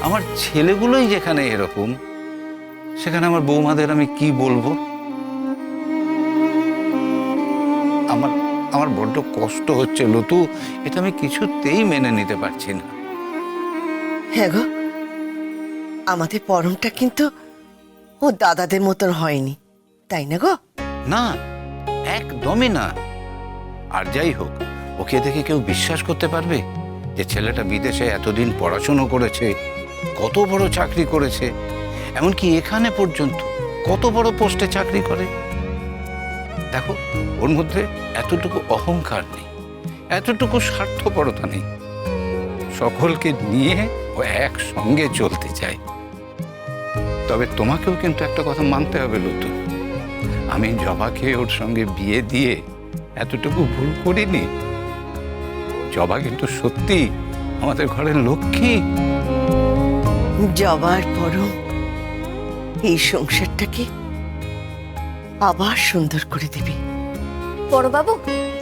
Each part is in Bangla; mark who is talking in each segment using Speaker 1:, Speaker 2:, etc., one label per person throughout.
Speaker 1: আমার ছেলেগুলোই যেখানে এরকম, সেখানে আমার বৌমাদের আমি কি বলবো? আমার আমার বড্ড কষ্ট হচ্ছে লতু, এটা আমি কিছুতেই মেনে নিতে পারছি না।
Speaker 2: হ্যাঁ গো, আমাদের পরমটা কিন্তু ও দাদাদের মতন হয়নি, তাই না গো?
Speaker 1: না, একদমই না। আর যাই হোক, ওকে দেখে কেউ বিশ্বাস করতে পারবে যে ছেলেটা বিদেশে এতদিন পড়াশুনো করেছে, কত বড় চাকরি করেছে, এমনকি এখানে পর্যন্ত কত বড় পোস্টে চাকরি করে? দেখো, ওর মধ্যে এতটুকু অহংকার নেই, এতটুকু স্বার্থপরতা নেই। সকলকে নিয়ে ও একসঙ্গে চলতে চায়। তবে তোমাকেও কিন্তু একটা কথা মানতে হবে লতু, আমি জবাকে ওর সঙ্গে বিয়ে দিয়ে এতটুকু ভুল করিনি। জবা কিন্তু সত্যি আমাদের ঘরের লক্ষ্মী।
Speaker 2: জবার পরম এই সংসারটাকে আবার সুন্দর করে দেবে।
Speaker 3: বড়বাবু,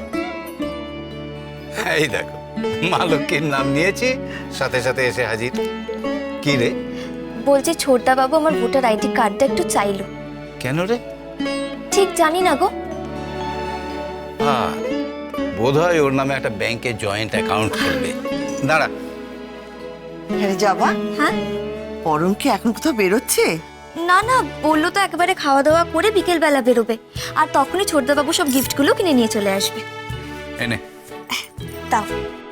Speaker 1: এই দেখো, মা লক্ষ্মীর নাম নিয়েছি, সাথে সাথে এসে হাজির। কি রে?
Speaker 3: বলছি ছোটদা বাবু আমার ভোটার আইডি কার্ডটা একটু চাইলো।
Speaker 1: কেন রে?
Speaker 3: ঠিক জানি না গো।
Speaker 1: বোধ হয় ওর নামে একটা ব্যাংকে জয়েন্ট অ্যাকাউন্ট খুলবে। দাঁড়া।
Speaker 2: হ্যাঁ জবা,
Speaker 3: হ্যাঁ?
Speaker 2: পরম কি এখন কোথাও বেরোচ্ছে?
Speaker 3: না না, বললো তো একেবারে খাওয়া দাওয়া করে বিকেল বেলা বেরোবে, আর তখনই ছোটদা বাবু সব গিফটগুলো কিনে নিয়ে চলে আসবে।
Speaker 1: এনে
Speaker 3: তাও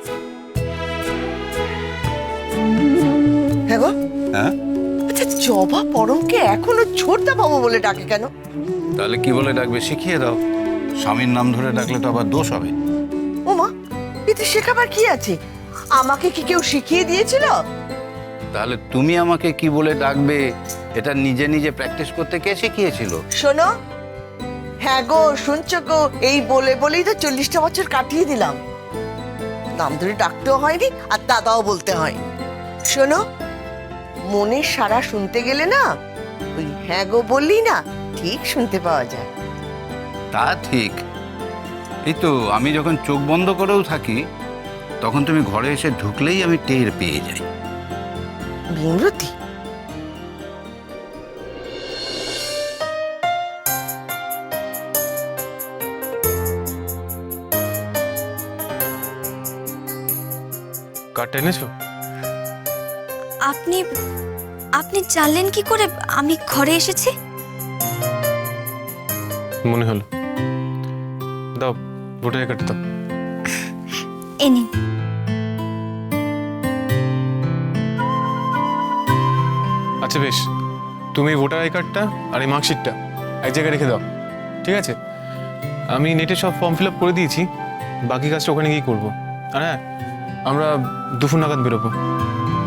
Speaker 2: হ্যাঁ গো,
Speaker 1: হ্যাঁ,
Speaker 2: আচ্ছা জবা পরমকে এখনো ছোটদা বাবু বলে ডাকে কেন?
Speaker 1: তাহলে কি বলে ডাকবে শিখিয়ে দাও। স্বামীর নাম ধরে ডাকলে তো আবার দোষ হবে।
Speaker 2: ও মা, এতে শেখাবার কি আছে? আমাকে কি কেউ শিখিয়ে দিয়েছিল?
Speaker 1: তাহলে তুমি আমাকে কি বলে ডাকবে এটা নিজে নিজে প্র্যাকটিস করতে কে শিখিয়েছিল?
Speaker 2: শোনো, হ্যাঁ গো শুনছো গো, এই বলে বলেই তো 40টা বছর কাটিয়ে দিলাম। নাম ধরে ডাকতেও হয়নি আর দাদাও বলতে হয়নি। শোনো, মনের সারা শুনতে গেলে না ওই হ্যাঁ গো বললি না ঠিক শুনতে পাওয়া যায়।
Speaker 1: তা ঠিক। এই তো আমি যখন চোখ বন্ধ করেও থাকি, তখন তুমি ঘরে এসে ঢুকলেই আমি টের পেয়ে যাই।
Speaker 2: ভীমরতি,
Speaker 4: কার্ডটা এনেছো?
Speaker 3: আপনি আপনি জানলেন কি করে আমি ঘরে এসেছি?
Speaker 4: মনে হলো। দাও, ভোটার কার্ডটা দাও।
Speaker 3: এ নিন।
Speaker 4: আচ্ছা বেশ, তুমি ভোটার আই কার্ডটা আর এই মার্কশিটটা এক জায়গায় রেখে দাও, ঠিক আছে? আমি নেটে সব ফর্ম ফিল আপ করে দিয়েছি, বাকি কাজটা ওখানে গিয়ে করবো। আর হ্যাঁ, আমরা দুপুর নাগাদ বেরোবো।